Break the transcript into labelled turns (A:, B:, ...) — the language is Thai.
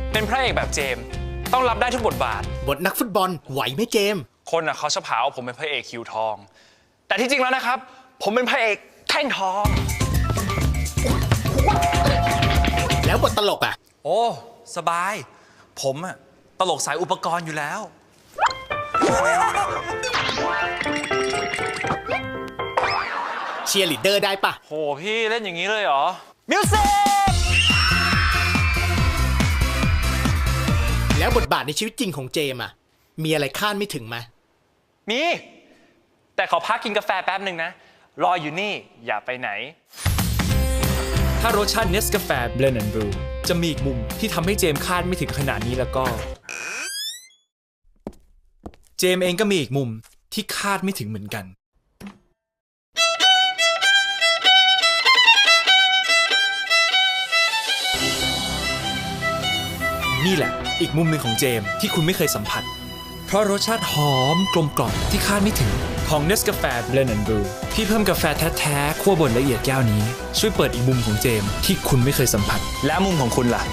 A: เป็นพระเอกแบบเจมส์ต้องรับได้ทุกบทบาท
B: บทนักฟุตบอลไหวไหมเจมส์
A: คนเขาชอบหาว่าผมเป็นพระเอกคิวทองแต่ที่จริงแล้วนะครับผมเป็นพระเอกแท่งทอง
B: แล้วบทตลกอ่ะ
C: โอ้สบายผมตลกสายอุปกรณ์อยู่แล้ว
B: เชียร์ลีดเดอร์ได้ปะ
A: โหพี่เล่นอย่างนี้เลยเหรอ
C: มิวสิก
B: แล้วบทบาทในชีวิตจริงของเจมส์มีอะไรคาดไม่ถึงไหม
A: มีแต่ขอพักกินกาแฟแป๊บหนึ่งนะรออยู่นี่อย่าไปไหน
D: ถ้ารสชาติ Nescafe Blend and Brew จะมีอีกมุมที่ทำให้เจมส์คาดไม่ถึงขนาดนี้แล้วก็เจมส์เองก็มีอีกมุมที่คาดไม่ถึงเหมือนกันนี่แหละอีกมุมหนึ่งของเจมส์ที่คุณไม่เคยสัมผัสเพราะรสชาติหอมกลมกล่อมที่คาดไม่ถึงของ Nescafe Blend and Brew ที่เพิ่มกาแฟแท้ๆคั่วบดละเอียดแก้วนี้ช่วยเปิดอีกมุมของเจมส์ที่คุณไม่เคยสัมผัส
A: และมุมของคุณล่ะ